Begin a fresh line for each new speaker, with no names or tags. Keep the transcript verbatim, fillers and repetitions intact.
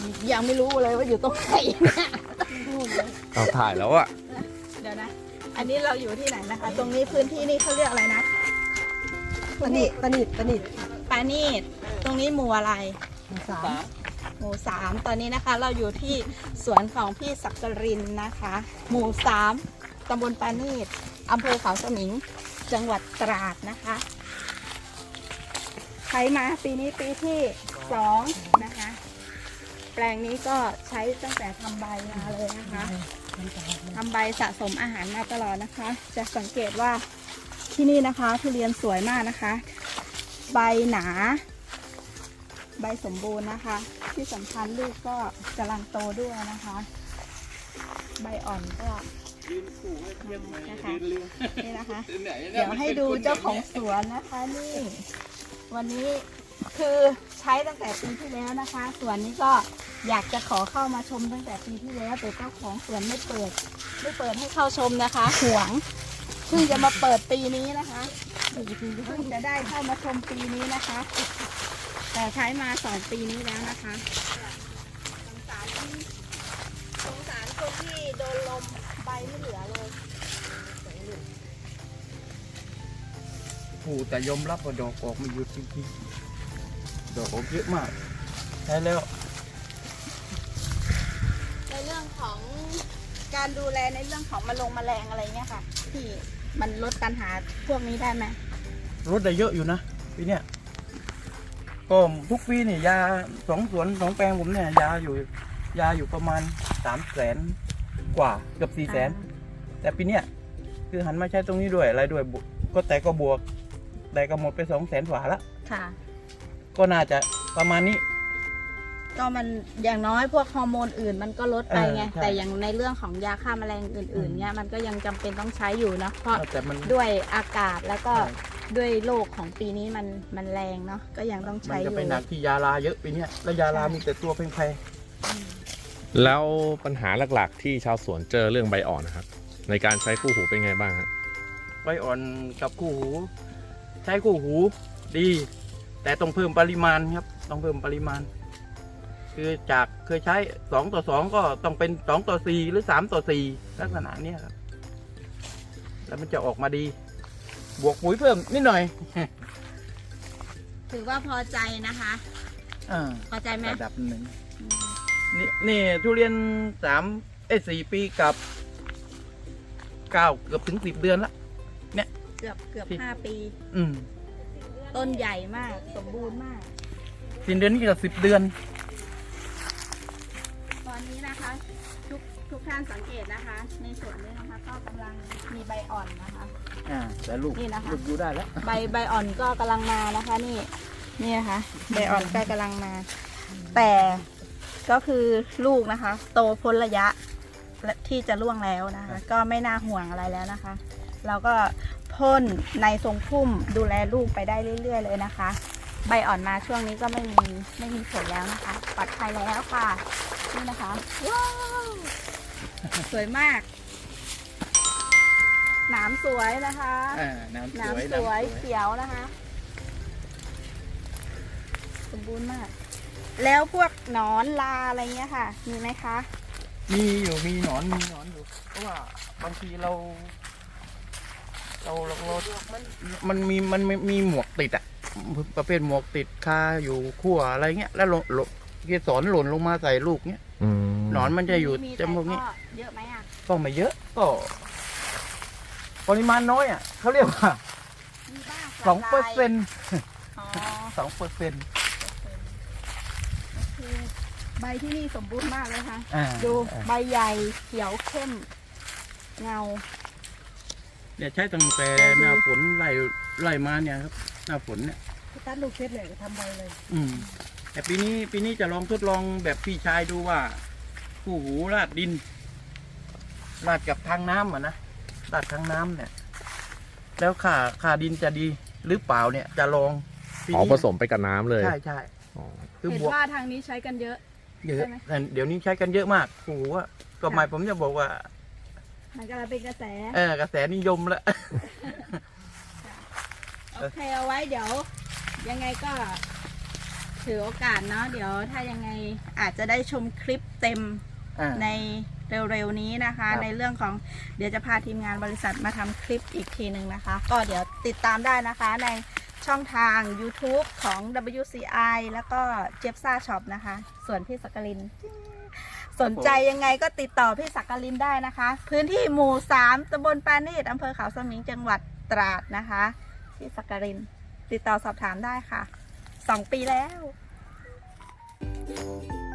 ยังไม่รู้เลยว่าอยู่ตรงไหนเนี่ย
เราถ่ายแล้วอะ
เดี๋ยวนะ อันนี้เราอยู่ที่ไหนนะคะ ตรงนี้พื้นที่นี่เขาเรียกอะไรนะ
ปนิดปนิดปนิด
ปานีดตรงนี้หมู่อะไร
สาม
หมู่สามตอนนี้นะคะ เราอยู่ที่สวนของพี่ศักรินนะคะ หมู่สามตำบลปานีดอำเภอเขาสมิงจังหวัดตราดนะคะใช้มาปีนี้ปีที่สองนะคะ แปลงนี้ก็ใช้ตั้งแต่ทำใบมาเลยนะคะทำใบสะสมอาหารมาตลอดนะคะ จะสังเกตว่าที่นี่นะคะทุเรียนสวยมากนะคะ ใบหนา ใบสมบูรณ์นะคะ ที่สำคัญลูกก็กำลังโตด้วยนะคะ ใบอ่อนก็นะคะนี่นะคะ เดี๋ยวให้ดูเจ้าของสวนนะคะนี่ วันนี้คือใช้ตั้งแต่ปีที่แล้วนะคะสวนนี้ก็อยากจะขอเข้ามาชมตั้งแต่ปีที่แล้วแต่เจ้าของสวนไม่เปิดไม่เปิดให้เข้าชมนะคะหวงเพิ่งจะมาเปิดปีนี้นะคะเพิ่งจะได้เข้ามาชมปีนี้นะคะ แต่ใช้มาสองปีนี้แล้วนะคะสงสารสงสารคนที่โดนลมใบไม่เหลือเลย
ผู้แต่ยอมรับว่าดอกออกไม่หยุดจริงๆดอกออกเยอะมากใช่แล้ว
ในเรื่องของการดูแลในเรื่องของมะลงแมลงอะไรเงี้ยค่ะที่มันลดปัญหาพวกนี้ได้ไหม
รถได้เยอะอยู่นะปีเนี้ยก็ทุกปีเนี่ยยาสองสวนสองแปลงผมเนี่ยยาอยู่ยาอยู่ประมาณสามแสนกว่าเกือบสี่แสนแต่ปีเนี้ยคือหันมาใช้ตรงนี้ด้วยอะไรด้วยบวกก็แต่ก็บวกแต่ก็หมดไปสองแสนกว่าละ
ค่ะ
ก็น่าจะประมาณนี้
ก็มันอย่างน้อยพวกฮอร์โมนอื่นมันก็ลดไปไง
เออใช่
แต่อย่างในเรื่องของยาฆ่าแมลงอื่นๆเนี่ยมันก็ยังจำเป็นต้องใช้อยู่นะเพราะ
แต่มัน
ด้วยอากาศแล้วก็
ใช่
ด้วยโรคของปีนี้มันมันแรงเนาะก็ยังต้อง
มัน
ใช้อ
จะ
ยู่
ไปหนักที่ยาลาเยอะปีเนี้ยแล้วยาลามีแต่ตัวแพง
แล้วปัญหาหลักๆ ที่ชาวสวนเจอเรื่องใบอ่อนนะครับ ในการใช้คู่หูเป็นไงบ้างฮะ
ๆใบอ่อนกับคู่หู ใช้คู่หูดี แต่ต้องเพิ่มปริมาณครับต้องเพิ่มปริมาณ คือจากเคยใช้สองต่อสองก็ต้องเป็นสองต่อสี่หรือสามต่อสี่ลักษณะเนี้ยครับแล้วมันจะออกมาดี บวกปุ๋ยเพิ่มนิดหน่อย
ถือว่าพอใจนะคะ
อ่า
พอใจไหม
ระดับหนึ่งนี่นี่ทุเรียนสามเอ้ยสี่ปีกับเก้าเกือบถึงสิบเดือนละ
เกือบเกือบ
ที่
ห้าปี
อืม
ต้นใหญ่มากสมบูรณ์มาก
สิ้นเดือนนี้ก็สิบเดือน
ตอนนี้นะคะทุกทุกท่านสังเกตนะคะ ในส่วนนี้นะคะก็กำลังมีใบอ่อนนะคะ
อ่าแต่ลูก
นี่นะคะ
ลูกอยู่ได้แล้ว
ใบใบอ่อนก็กำลังมานะคะนี่นี่นะคะใบอ่อนก็กำลังมา แต่ก็คือลูกนะคะ โตพ้นระยะที่จะร่วงแล้วนะคะ ก็ไม่น่าห่วงอะไรแล้วนะคะ เราก็พ่นในทรงพุ่มดูแลลูกไปได้เรื่อยๆเลยนะคะ ใบอ่อนมาช่วงนี้ก็ไม่มีไม่มีผลแล้วนะคะปลอดภัยแล้วค่ะนี่นะคะว้าวสวยมากหนามสวยนะคะ
อ่าน้ำส
หนาม
วย
สวยเขียวนะคะ สมบูรณ์มาก แล้วพวกหนอนลาอะไรเงี้ยค่ะ มีไหมคะ
มีอยู่มีหนอนมีหนอนอยู่ เพราะว่าบางทีเรา เราเราเรามันมีมันมีมีหมวกติดอะประเภทหมวกติดคาอยู่ขั้วอะไรเงี้ยแล้วหล่นหล่นเกสรหล่นลงมาใส่ลูกเงี้ย
อืม
หนอนมันจะอยู่
มี
จมูกนี้
แต่เยอะไหมอ่ะ
ก็ไม่เยอะก็ ปริมาณน้อยอ่ะเขาเรียกว่า
มีบ้าง
สองเปอร์เซ็นต์
อ๋อ
สองเปอร์เซ็นต์
โอเคใบที่นี่สมบูรณ์มากเลยค่ะ
อ่า
ดูใบใหญ่เขียวเข้ม เงา
เนี่ยใช้ตั้งแต่หน้าฝนไล่ไล่มาเนี่ยครับ หน้าฝนเนี่ย
ตัดลูกเพชรเลยทำใบเลย
อืม แต่ปีนี้ปีนี้จะลองทดลองแบบพี่ชายดูว่าคู่หูราดดินราดกับทางน้ำอ่ะนะราดทางน้ำเนี่ย แล้วค่าค่าดินจะดีหรือเปล่าเนี่ย จะลองปี
อ๋อ
นี้
ผสมไปกับน้ำเลย
ใช่ใช่
อ๋อ
คือ
เห็น
บวก
ว่าทางนี้ใช้กันเยอะ
เยอะ
ใช่ไหม
แต่เดี๋ยวนี้ใช้กันเยอะมากคู่หูอะก็หมายผมจะบอกว่า
มันกำลังเป็นกระแส
เออกระแสนิยมแล้ว
โอเคเอาไว้เดี๋ยว ยังไงก็ถือโอกาสเนาะเดี๋ยวถ้ายังไงอาจจะได้ชมคลิปเต็ม
อ่า
ในเร็วๆนี้นะคะ
ครับ
ในเรื่องของเดี๋ยวจะพาทีมงานบริษัทมาทำคลิปอีกทีหนึ่งนะคะ ก็เดี๋ยวติดตามได้นะคะในช่องทาง YouTube ของ ดับเบิลยู ซี ไอ แล้วก็เจี๊ยบซ่าช็อปนะคะ ส่วนพี่สักกลิน สนใจยังไงก็ติดต่อพี่สักกลินได้นะคะ พื้นที่หมู่สามตำบลปานีตอำเภอเขาสมิงจังหวัดตราดนะคะพี่สักกลิน ติดต่อสอบถามได้ค่ะสองปีแล้ว